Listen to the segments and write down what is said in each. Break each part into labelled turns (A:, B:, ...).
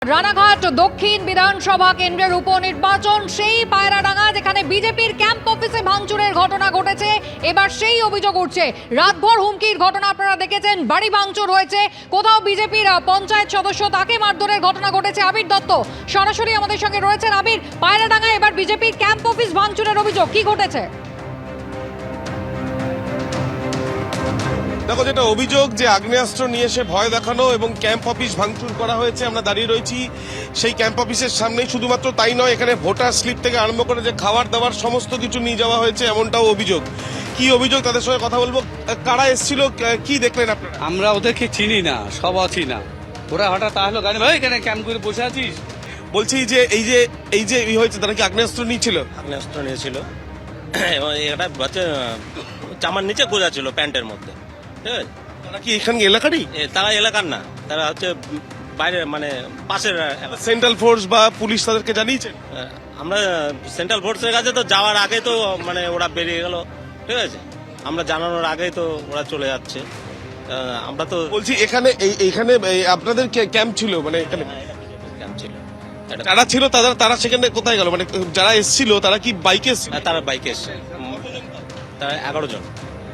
A: রানাঘাট দক্ষিণ বিধানসভা কেন্দ্রের উপনির্বাচন সেই পায়রাডাঙ্গা যেখানে বিজেপির ক্যাম্প অফিসে ভাঙচুরের ঘটনা ঘটেছে। এবার সেই অভিযোগ উঠছে, রাতভর হুমকির ঘটনা আপনারা দেখেছেন, বাড়ি ভাঙচুর হয়েছে, কোথাও বিজেপির পঞ্চায়েত সদস্য তাকে মারধরের ঘটনা ঘটেছে। আবির দত্ত সরাসরি আমাদের সঙ্গে রয়েছেন। আবির, পায়রাডাঙ্গায় এবার বিজেপির ক্যাম্প অফিস ভাঙচুরের অভিযোগ, কি ঘটেছে?
B: দেখো, যেটা অভিযোগ যে আগ্নেয়াস্ত্র নিয়ে এসে ভয় দেখানো এবং ক্যাম্প অফিস ভাঙচুর করা হয়েছে। আমরা দাঁড়িয়ে রয়েছি সেই ক্যাম্প অফিসের সামনেই। শুধুমাত্র তাই নয়, এখানে ভোটার স্লিপ থেকে আরম্ভ করে যে খাবার দাবার সমস্ত কিছু নিয়ে যাওয়া হয়েছে, এমনটাও অভিযোগ। কি অভিযোগ তাদের সঙ্গে কথা বলবো। কারা এসেছিল, কি দেখলেন আপনারা?
C: আমরা ওদেরকে চিনি না, সব চিনা। ওরা হঠাৎ আসলো গাড়ি, ভাই এখানে ক্যাম্প করে বসে আছিস।
B: বলছি যে এই যে হয়েছে, তারা কি আগ্নেয়াস্ত্র নিয়েছিল?
D: আগ্নেয়াস্ত্র নিয়েছিল এবং এটা হচ্ছে চামার নিচে গোজা ছিল প্যান্টের মধ্যে। ঠিক আছে,
B: তারা কি এখানে এলাকারই?
D: তারা এলাকার না, তারা হচ্ছে বাইরে, মানে পাশের।
B: সেন্ট্রাল ফোর্স বা পুলিশ তাদেরকে জানিয়েছেন?
D: আমরা সেন্ট্রাল ফোর্সের কাছে তো যাওয়ার আগে তো মানে ওরা বেরিয়ে গেল। ঠিক আছে, আমরা জানানোর আগেই তো ওরা চলে যাচ্ছে। আমরা তো
B: বলছি এইখানে আপনাদের ক্যাম্প ছিল, মানে এখানে
D: ক্যাম্প ছিল।
B: যারা ছিল তারা সেখানে কোথায় গেল? মানে যারা এসেছিল তারা কি বাইকে এসেছিল?
D: তারা বাইকে এসছে, তারা 11 জন।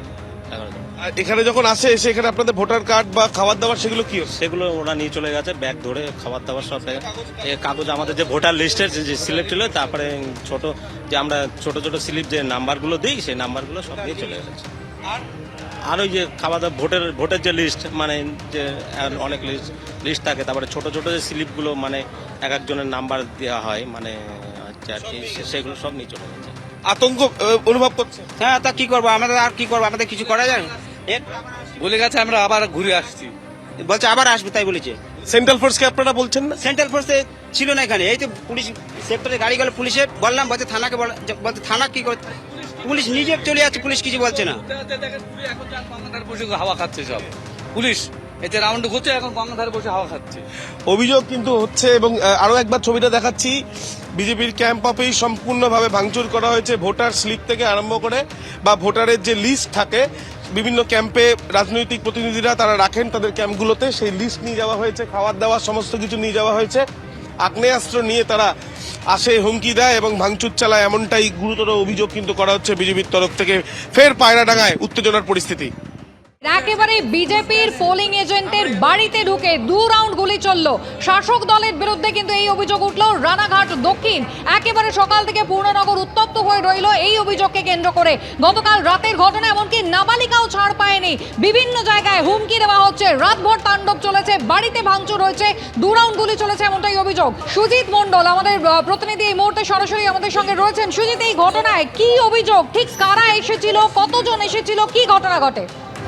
B: আর এখানে যখন এসে এখানে আপনাদের ভোটার কার্ড বা খাবার দাবার সেগুলো কি হচ্ছে?
D: সেগুলো ওরা নিয়ে চলে গেছে, ব্যাগ ধরে খাবার দাবার সব কাগজ, আমাদের যে ভোটার লিস্টের যে সিলেক্ট হলো, তারপরে ছোট যে আমরা ছোট ছোট স্লিপ যে নাম্বারগুলো দিই, সেই নাম্বারগুলো সব নিয়ে চলে গেছে। আর ওই যে খাবার দাবার ভোটের যে লিস্ট, মানে যে অনেক লিস্ট থাকে, তারপরে ছোট ছোট যে স্লিপগুলো, মানে এক একজনের নাম্বার দেওয়া হয়, মানে হচ্ছে আর কি, সেগুলো সব নিয়ে চলে গেছে।
B: আতঙ্ক অনুভব করছে?
E: হ্যাঁ, তা কি করবো আমাদের, আর কি করবো আমাদের, কিছু করা যায়?
C: বলে গেছে আমরা আবার ঘুরে আসছি,
E: বলছে আবার আসবে, তাই বলেছে।
B: সেন্ট্রাল ফোর্সকে আপনারা বলছেন না?
E: সেন্ট্রাল ফোর্সে ছিল না এখানে, এই তো পুলিশ সেক্টরে গাড়ি গেল, পুলিশে বললাম, বলছে থানাকে বলছে থানা কি করে, পুলিশ নিজে চলে যাচ্ছে, পুলিশ কিছু বলছে না।
C: গঙ্গাধারে বসে হাওয়া খাচ্ছে সব পুলিশ, এতে রাউন্ড ঘুরছে, এখন গঙ্গাধারে বসে হাওয়া খাচ্ছে।
B: অভিযোগ কিন্তু হচ্ছে। এবং আরো একবার ছবিটা দেখাচ্ছি, বিজেপির ক্যাম্প অফিস সম্পূর্ণভাবে ভাঙচুর করা হয়েছে। ভোটার স্লিপ থেকে আরম্ভ করে বা ভোটারের যে লিস্ট থাকে, বিভিন্ন ক্যাম্পে রাজনৈতিক প্রতিনিধিরা তারা রাখেন তাদের ক্যাম্পগুলোতে, সেই লিস্ট নিয়ে যাওয়া হয়েছে, খাবার দাবার সমস্ত কিছু নিয়ে যাওয়া হয়েছে। আগ্নেয়াস্ত্র নিয়ে তারা আসে, হুমকি দেয় এবং ভাঙচুর চালায়, এমনটাই গুরুতর অভিযোগ কিন্তু করা হচ্ছে বিজেপির তরফ থেকে। ফের পায়রাডাঙ্গায় উত্তেজনার পরিস্থিতি।
A: একেবারে বিজেপির পোলিং এজেন্টের বাড়িতে ঢুকে 2 রাউন্ড গুলি চলল। শাসক দলের বিরুদ্ধে কিন্তু এই অভিযোগ উঠল রানাঘাট দক্ষিণ। একেবারে সকাল থেকে পূর্ণনগর উত্তপ্ত হয়ে রইল এই অভিযোগকে কেন্দ্র করে। গতকাল রাতের ঘটনা, এমনকি নাবালিকাও ছাড় পায়নি। বিভিন্ন জায়গায় হুমকি দেওয়া হচ্ছে, রাতভর তাণ্ডব চলেছে, বাড়িতে ভাঙচুর হয়েছে, 2 রাউন্ড গুলি চলেছে, এমনটাই অভিযোগ। সুজিত মণ্ডল আমাদের প্রতিনিধি এই মুহূর্তে সরাসরি আমাদের সঙ্গে রয়েছেন। সুজিত, এই ঘটনায় কি অভিযোগ, ঠিক কারা এসেছিল, কতজন এসেছিল, কি ঘটনা ঘটে?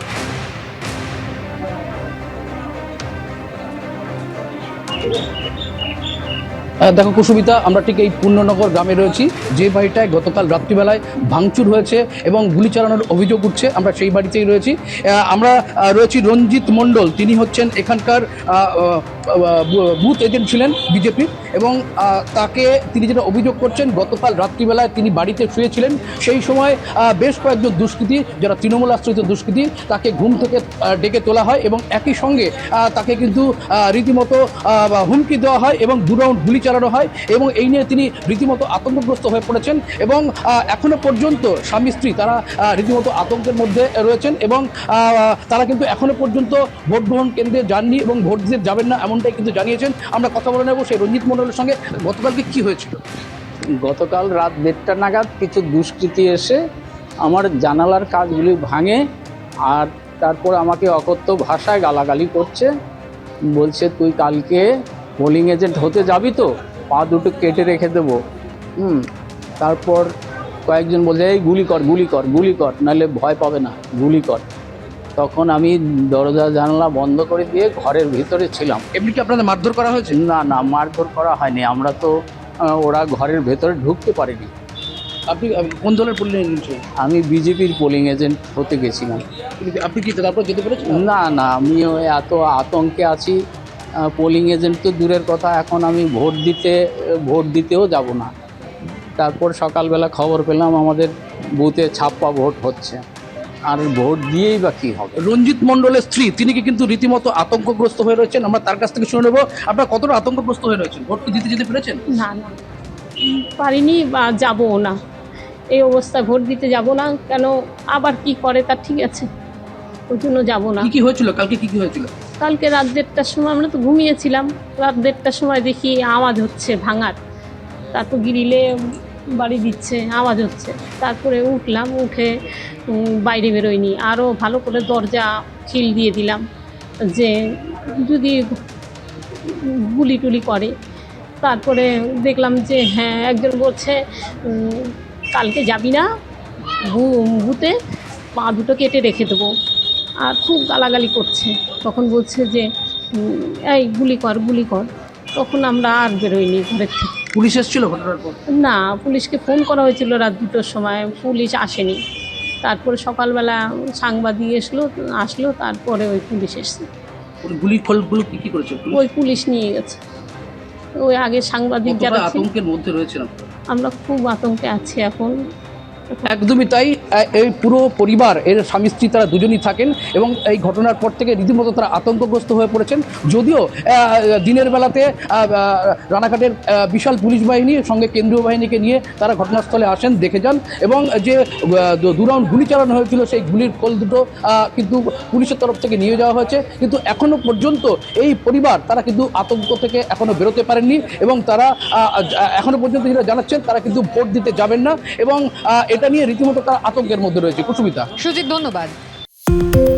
F: দেখো কুসুমিতা, আমরা ঠিক এই পূর্ণনগর গ্রামে রয়েছি, যে বাড়িটায় গতকাল রাত্রিবেলায় ভাঙচুর হয়েছে এবং গুলি চালানোর অভিযোগ উঠছে, আমরা সেই বাড়িতেই রয়েছি। আমরা রয়েছি রঞ্জিত মণ্ডল, তিনি হচ্ছেন এখানকার বুথ এজেন্ট ছিলেন বিজেপির, এবং তিনি যেটা অভিযোগ করছেন, গতকাল রাত্রিবেলায় তিনি বাড়িতে শুয়েছিলেন, সেই সময় বেশ কয়েকজন দুষ্কৃতী, যারা তৃণমূল আশ্রিত দুষ্কৃতী, তাকে ঘুম থেকে ডেকে তোলা হয় এবং একই সঙ্গে তাকে কিন্তু রীতিমতো হুমকি দেওয়া হয় এবং 2 রাউন্ড গুলি চালানো হয়, এবং এই নিয়ে তিনি রীতিমতো আতঙ্কগ্রস্ত হয়ে পড়েছেন। এবং এখনো পর্যন্ত স্বামী স্ত্রী তারা রীতিমতো আতঙ্কের মধ্যে রয়েছেন, এবং তারা কিন্তু এখনো পর্যন্ত ভোট গ্রহণ কেন্দ্রে যাননি এবং ভোট দিতে যাবেন না, এমনটাই কিন্তু জানিয়েছেন। আমরা কথা বলে নেব সেই রঞ্জিত মণ্ডলের সঙ্গে। গতকালকে কি হয়েছিল?
G: গতকাল রাত 1:30 নাগাদ কিছু দুষ্কৃতী এসে আমার জানালার কাজগুলি ভাঙে, আর তারপর আমাকে অকথ্য ভাষায় গালাগালি করছে, বলছে তুই কালকে পোলিং এজেন্ট হতে যাবি তো, পা দুটো কেটে রেখে দেবো। তারপর কয়েকজন বলছে এই গুলি কর গুলি কর গুলি কর, নাহলে ভয় পাবে না, গুলি কর। তখন আমি দরজা জানলা বন্ধ করে দিয়ে ঘরের ভিতরে ছিলাম।
F: এমনি কি আপনাদের মারধর করা হয়েছে?
G: না, মারধর করা হয়নি, আমরা তো ওরা ঘরের ভেতরে ঢুকতে পারিনি।
F: আপনি কোন দলের পোলিং এজেন্ট ছিলেন?
G: আমি বিজেপির পোলিং এজেন্ট হতে গেছিলাম।
F: আপনি কি তারপর যেতে পেরেছেন?
G: না, আমি এত আতঙ্কে আছি, পোলিং এজেন্ট তো দূরের কথা, এখন আমি ভোট দিতেও যাব না। তারপর সকালবেলা খবর পেলাম আমাদের বুথে ছাপ্পা ভোট হচ্ছে। আর ভোট দিয়েই বা কি হবে?
F: রঞ্জিত মণ্ডলের স্ত্রী তিনি কি কিন্তু রীতিমতো আতঙ্কগ্রস্ত হয়ে রয়েছেন, আমরা তার কাছ থেকে শুনে নেবো আপনারা কতটা আতঙ্কগ্রস্ত হয়ে রয়েছেন, ভোট কি দিতে যেতে পেরেছেন?
H: না না পারিনি বা যাবো না, এই অবস্থায় ভোট দিতে যাব না। কেন আবার কি করে তার ঠিক আছে, ওই জন্য যাবো না।
F: কি কি হয়েছিল কালকে, কি কি হয়েছিল?
H: কালকে রাত 1:30টার সময় আমরা তো ঘুমিয়েছিলাম, রাত 1:30টার সময় দেখি আওয়াজ হচ্ছে ভাঙার, তারপর গিরিলে বাড়ি দিচ্ছে, আওয়াজ হচ্ছে। তারপরে উঠলাম, উঠে বাইরে বেরোয়নি, আরও ভালো করে দরজা খিল দিয়ে দিলাম যে যদি গুলি টুলি করে। তারপরে দেখলাম যে হ্যাঁ একজন বলছে কালকে যাবি না, ভূতে পা দুটো কেটে রেখে দেবো, আর খুব গালাগালি করছে। তখন বলছে যে এই গুলি কর গুলি কর। তখন আমরা আর বেরোইনি ঘরের থেকে।
F: পুলিশ এসেছিল ঘটনার পর?
H: না, পুলিশকে ফোন করা হয়েছিল রাত 2টোর সময়, পুলিশ আসেনি। তারপরে সকালবেলা সাংবাদিক আসলো, তারপরে ওই পুলিশ এসছে।
F: ওই গুলির ফলগুলো কি কি করেছে পুলিশ?
H: ওই পুলিশ নিয়ে গেছে। ওই আগে সাংবাদিক
F: কতটা
H: যারা ছিল,
F: আতঙ্কের মধ্যে রয়েছেন আপনারা?
H: আমরা খুব আতঙ্কে আছি এখন।
F: একদমই তাই, এই পুরো পরিবার এর স্বামী স্ত্রী তারা দুজনই থাকেন এবং এই ঘটনার পর থেকে রীতিমতো তারা আতঙ্কগ্রস্ত হয়ে পড়েছেন। যদিও দিনের বেলাতে রানাঘাটের বিশাল পুলিশ বাহিনী সঙ্গে কেন্দ্রীয় বাহিনীকে নিয়ে তারা ঘটনাস্থলে আসেন, দেখে যান এবং যে 2 রাউন্ড গুলি চালানো হয়েছিল সেই গুলির খোল দুটো কিন্তু পুলিশের তরফ থেকে নিয়ে যাওয়া হয়েছে। কিন্তু এখনো পর্যন্ত এই পরিবার তারা কিন্তু আতঙ্ক থেকে এখনো বেরোতে পারেননি এবং তারা এখনো পর্যন্ত যেটা জানাচ্ছেন তারা কিন্তু ভোট দিতে যাবেন না এবং এটা নিয়ে রীতিমতো তারা আতঙ্কের মধ্যে রয়েছে। কুসুমিতা।
A: সুজিত, ধন্যবাদ।